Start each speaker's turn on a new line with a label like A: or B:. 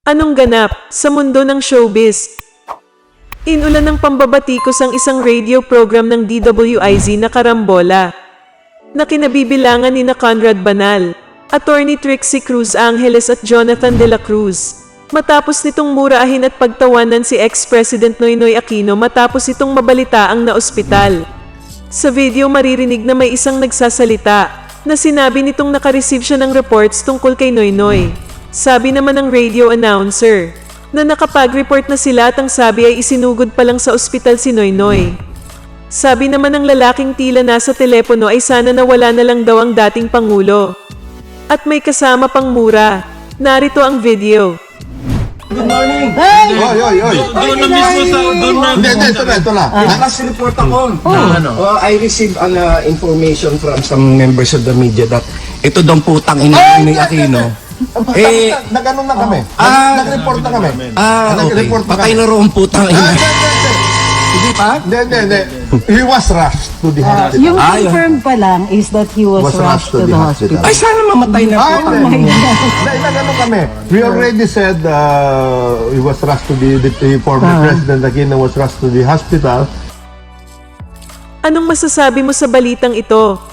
A: Anong ganap sa mundo ng showbiz? Inulan ng pambabatikos ang isang radio program ng DWIZ na Karambola, na kinabibilangan ni Conrad Banal, Attorney Trixie Cruz Angeles at Jonathan De La Cruz. Matapos nitong murahin at pagtawanan si ex-President Noynoy Aquino matapos itong mabalitaang na ospital. Sa video maririnig na may isang nagsasalita na sinabi nitong nakareceive siya ng reports tungkol kay Noynoy. Sabi naman ng radio announcer na nakapag-report na sila at ang sabi ay isinugod pa lang sa ospital si Noynoy. Sabi naman ng lalaking tila nasa telepono ay sana nawala na lang daw ang dating Pangulo. At may kasama pang mura. Narito ang video.
B: Good morning!
C: Hey!
B: Oy!
D: Doon na mismo sa... Doon na...
B: Hindi, ito na. Nakas-report ako. I received an information from some members of the media that ito daw putang ina ni Aquino.
C: Nag-ano na kami? Nag-report na kami.
B: Okay.
C: Nag-report na
B: Patay
C: kami.
B: na roon putang ina. Hindi pa?
C: Hindi. He was rushed to the hospital.
E: Yung confirmed pa lang is that he was rushed to the hospital.
B: Ay, sana mamatay na putang ina.
C: Nag-ano kami? We already said he was rushed to the former President Aquino was rushed to the hospital.
A: Anong masasabi mo sa balitang ito?